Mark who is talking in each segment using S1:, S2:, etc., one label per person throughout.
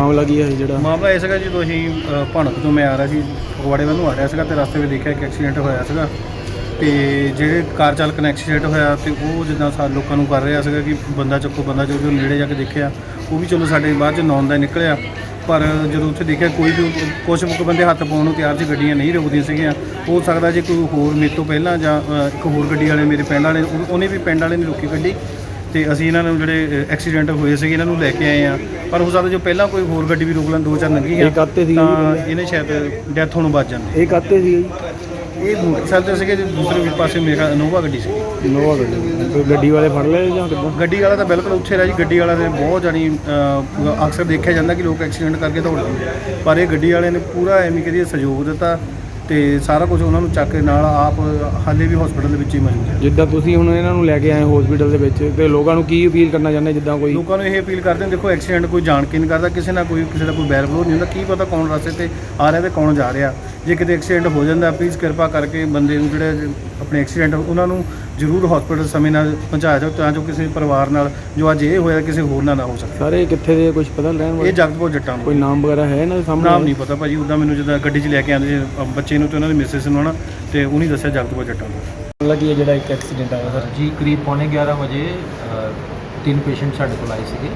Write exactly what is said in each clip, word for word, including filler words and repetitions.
S1: ਮਾਮਲਾ ਕੀ ਹੈ ਜਿਹੜਾ
S2: ਮਾਮਲਾ ਇਹ ਸੀਗਾ ਜਦੋਂ ਅਸੀਂ ਭਣਕ ਤੋਂ ਮੈਂ ਆ ਰਿਹਾ ਸੀ ਫਗਵਾੜੇ ਵੱਲ ਨੂੰ ਆ ਰਿਹਾ ਸੀਗਾ ਤੇ ਰਸਤੇ ਵਿੱਚ ਦੇਖਿਆ ਕਿ ਐਕਸੀਡੈਂਟ ਹੋਇਆ ਸੀਗਾ ਤੇ ਜਿਹੜੇ ਕਾਰ ਚਾਲਕ ਨੇ ਐਕਸੀਡੈਂਟ ਹੋਇਆ ਤੇ ਉਹ ਜਿੱਦਾਂ ਸਾਰੇ ਲੋਕਾਂ ਨੂੰ ਕਰ ਰਿਹਾ ਸੀਗਾ ਕਿ ਬੰਦਾ ਚੱਕੋ ਬੰਦਾ ਚੱਕੋ, ਜਦੋਂ ਨੇੜੇ ਜਾ ਕੇ ਦੇਖਿਆ ਉਹ ਵੀ ਚਲੋ ਸਾਡੇ ਬਾਅਦ 'ਚ ਨੌਨ ਦਾ ਨਿਕਲਿਆ, ਪਰ ਜਦੋਂ ਉੱਥੇ ਦੇਖਿਆ ਕੋਈ ਵੀ ਕੁਛ ਕੁ ਬੰਦੇ ਹੱਥ ਪਾਉਣ ਨੂੰ ਤਿਆਰ ਸੀ, ਗੱਡੀਆਂ ਨਹੀਂ ਰੁਕਦੀਆਂ ਸੀਗੀਆਂ। ਹੋ ਸਕਦਾ ਜੇ ਕੋਈ ਹੋਰ ਮੇਰੇ ਤੋਂ ਪਹਿਲਾਂ ਜਾਂ ਇੱਕ ਹੋਰ ਗੱਡੀ ਵਾਲੇ ਮੇਰੇ ਪਿੰਡ ਵਾਲੇ ਉਹਨੇ ਵੀ ਪਿੰਡ ਵਾਲੇ ਨੇ ਰੋਕੀ ਗੱਡੀ ਤੇ ਅਸੀਂ ਇਹਨਾਂ ਨੂੰ ਜਿਹੜੇ ਐਕਸੀਡੈਂਟ ਹੋਏ ਸੀਗੇ ਇਹਨਾਂ ਨੂੰ ਲੈ ਕੇ ਆਏ ਆ, ਪਰ ਹੋ ਸਕਦਾ ਜੋ ਪਹਿਲਾਂ ਕੋਈ ਹੋਰ ਗੱਡੀ ਵੀ ਰੋਕ ਲੈਣ ਦੋ ਚਾਰ ਲੰਘੀ ਆ ਤਾਂ ਇਹਨੇ ਸ਼ਾਇਦ ਡੈਥ ਹੋਣੋਂ ਬਚ ਜਾਂਦੇ।
S1: ਇਹ ਕਾਤੇ ਸੀ
S2: ਇਹ ਮੋਟਰਸਾਈਕਲ ਤੇ ਸੀਗੇ, ਦੂਸਰੇ ਪਾਸੇ ਮੇਰਾ ਇਨੋਵਾ ਗੱਡੀ ਸੀ।
S1: ਇਨੋਵਾ ਗੱਡੀ ਗੱਡੀ ਵਾਲੇ ਫੜ ਲਏ ਜਾਂ ਕਿੱਦਾਂ?
S2: ਗੱਡੀ ਵਾਲਾ ਤਾਂ ਬਿਲਕੁਲ ਉੱਥੇ ਰਿਹਾ ਜੀ। ਗੱਡੀ ਵਾਲਾ ਨੇ ਬਹੁਤ ਜਾਣੀ ਅਕਸਰ ਦੇਖਿਆ ਜਾਂਦਾ ਕਿ ਲੋਕ ਐਕਸੀਡੈਂਟ ਕਰਕੇ ਦੌੜਦੇ, ਪਰ ਇਹ ਗੱਡੀ ਵਾਲੇ ਨੇ ਪੂਰਾ ਐਵੇਂ ਕਰੀਏ ਸਹਿਯੋਗ ਦਿੱਤਾ ਤੇ ਸਾਰਾ ਕੁਝ ਉਹਨਾਂ ਨੂੰ ਚੱਕ ਕੇ ਨਾਲ ਆਪ ਹਾਲੇ ਵੀ ਹਸਪੀਟਲ ਦੇ ਵਿੱਚ ਹੀ ਮੌਜੂਦ ਹੈ।
S1: ਜਿੱਦਾਂ ਤੁਸੀਂ ਹੁਣ ਇਹਨਾਂ ਨੂੰ ਲੈ ਕੇ ਆਏ ਹਸਪੀਟਲ ਦੇ ਵਿੱਚ ਤੇ ਲੋਕਾਂ ਨੂੰ ਕੀ ਅਪੀਲ ਕਰਨਾ ਚਾਹੁੰਦੇ? ਜਿੱਦਾਂ ਕੋਈ
S2: ਲੋਕਾਂ ਨੂੰ ਇਹ ਅਪੀਲ ਕਰਦੇ ਨੇ, ਦੇਖੋ ਐਕਸੀਡੈਂਟ ਕੋਈ ਜਾਣ ਕੇ ਨਹੀਂ ਕਰਦਾ, ਕਿਸੇ ਨਾਲ ਕੋਈ ਕਿਸੇ ਦਾ ਕੋਈ ਬੈਰ ਵਿਰੋਧ ਨਹੀਂ ਹੁੰਦਾ, ਕੀ ਪਤਾ ਕੌਣ ਰਸਤੇ ਤੇ ਆ ਰਿਹਾ ਤੇ ਕੌਣ ਜਾ ਰਿਹਾ। ਜੇ ਕਿਤੇ ਐਕਸੀਡੈਂਟ ਹੋ ਜਾਂਦਾ ਪਲੀਜ਼ ਕਿਰਪਾ ਕਰਕੇ ਬੰਦੇ ਨੂੰ ਜਿਹੜੇ ਆਪਣੇ ਐਕਸੀਡੈਂਟ ਉਹਨਾਂ ਨੂੰ ਜ਼ਰੂਰ ਹਸਪੀਟਲ ਸਮੇਂ ਨਾਲ ਪਹੁੰਚਾਇਆ ਜਾਓ ਤਾਂ ਜੋ ਕਿਸੇ ਪਰਿਵਾਰ ਨਾਲ ਜੋ ਅੱਜ ਇਹ ਹੋਇਆ ਕਿਸੇ ਹੋਰ ਨਾਲ ਨਾ ਹੋ ਸਕੇ।
S1: ਸਾਰੇ ਕਿੱਥੇ ਦੇ ਕੁਝ ਪਤਾ ਲੈਣ ਵਾਲੇ?
S2: ਇਹ ਜਗਤਪੁਰ ਜੱਟਾਂ
S1: ਕੋਈ ਨਾਮ ਵਗੈਰਾ ਹੈ ਇਹਨਾਂ ਦੇ ਸਾਹਮਣੇ?
S2: ਨਾਮ ਨਹੀਂ ਪਤਾ ਭਾਜੀ, ਉੱਦਾਂ ਮੈਨੂੰ ਜਦੋਂ ਗੱਡੀ 'ਚ ਲੈ ਕੇ ਆਉਂਦੇ ਸੀ ਬੱਚੇ ਨੂੰ ਤੇ ਉਹਨਾਂ ਦੇ ਮਿਸਿਸ ਨੂੰ ਨਾ ਤੇ ਉਹਨੇ ਦੱਸਿਆ ਜਗਤਪੁਰ ਜੱਟਾਂ ਦਾ।
S1: ਲੱਗੀ ਹੈ ਜਿਹੜਾ ਇੱਕ ਐਕਸੀਡੈਂਟ ਆਇਆ ਸਰ
S3: ਜੀ, ਕਰੀਬ ਪੌਣੇ ਗਿਆਰਾਂ ਵਜੇ ਤਿੰਨ ਪੇਸ਼ੈਂਟ ਸਾਡੇ ਕੋਲ ਆਏ ਸੀਗੇ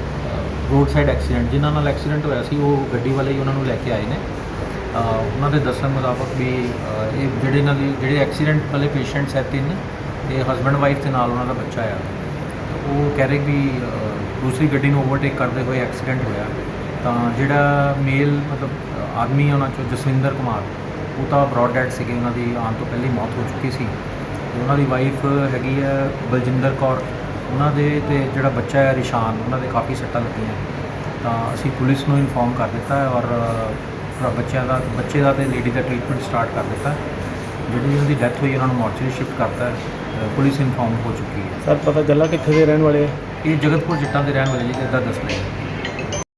S3: ਰੋਡ ਸਾਈਡ ਐਕਸੀਡੈਂਟ। ਜਿਨ੍ਹਾਂ ਨਾਲ ਐਕਸੀਡੈਂਟ ਹੋਇਆ ਸੀ ਉਹ ਗੱਡੀ ਵਾਲੇ ਹੀ ਉਹਨਾਂ ਨੂੰ ਲੈ ਕੇ ਆਏ ਨੇ। ਉਹਨਾਂ ਦੇ ਦੱਸਣ ਮੁਤਾਬਕ ਵੀ ਇਹ ਜਿਹੜੇ ਇਹਨਾਂ ਦੀ ਜਿਹੜੇ ਐਕਸੀਡੈਂਟ ਵਾਲੇ ਪੇਸ਼ੈਂਟਸ ਹੈ ਤਿੰਨ, ਇਹ ਹਸਬੈਂਡ ਵਾਈਫ ਦੇ ਨਾਲ ਉਹਨਾਂ ਦਾ ਬੱਚਾ ਆ। ਉਹ ਕਹਿ ਰਹੇ ਵੀ ਦੂਸਰੀ ਗੱਡੀ ਨੂੰ ਓਵਰਟੇਕ ਕਰਦੇ ਹੋਏ ਐਕਸੀਡੈਂਟ ਹੋਇਆ। ਤਾਂ ਜਿਹੜਾ ਮੇਲ ਮਤਲਬ ਆਦਮੀ ਉਹਨਾਂ 'ਚੋਂ ਜਸਵਿੰਦਰ ਕੁਮਾਰ, ਉਹ ਤਾਂ ਬਰੋਡ ਡੈਡ ਸੀਗੇ, ਉਹਨਾਂ ਦੀ ਆਉਣ ਤੋਂ ਪਹਿਲਾਂ ਹੀ ਮੌਤ ਹੋ ਚੁੱਕੀ ਸੀ। ਉਹਨਾਂ ਦੀ ਵਾਈਫ ਹੈਗੀ ਹੈ ਬਲਜਿੰਦਰ ਕੌਰ, ਉਹਨਾਂ ਦੇ ਤੇ ਜਿਹੜਾ ਬੱਚਾ ਹੈ ਰਿਸ਼ਾਨ, ਉਹਨਾਂ ਦੇ ਕਾਫੀ ਸੱਟਾਂ ਲੱਗੀਆਂ। ਤਾਂ ਅਸੀਂ ਪੁਲਿਸ ਨੂੰ ਇਨਫੋਰਮ ਕਰ ਦਿੱਤਾ ਹੈ ਔਰ ਬੱਚਿਆਂ ਦਾ ਬੱਚੇ ਦਾ ਤੇ ਲੇਡੀ ਦਾ ਟ੍ਰੀਟਮੈਂਟ ਸਟਾਰਟ ਕਰ ਦਿੱਤਾ। ਜਿਹੜੀ ਉਹਨਾਂ ਦੀ ਡੈਥ ਹੋਈ ਉਹਨਾਂ ਨੂੰ ਮੋਰਚਰੀ ਸ਼ਿਫਟ ਕਰਤਾ। ਪੁਲਿਸ ਇਨਫੋਰਮ ਹੋ ਚੁੱਕੀ ਹੈ।
S1: ਸਰ ਪਤਾ ਚੱਲਾ ਕਿੱਥੇ ਦੇ ਰਹਿਣ ਵਾਲੇ?
S3: ਇਹ ਜਗਤਪੁਰ ਜੱਟਾਂ ਦੇ ਰਹਿਣ ਵਾਲੇ ਜੀ, ਇੱਦਾਂ ਦੱਸ ਰਹੇ।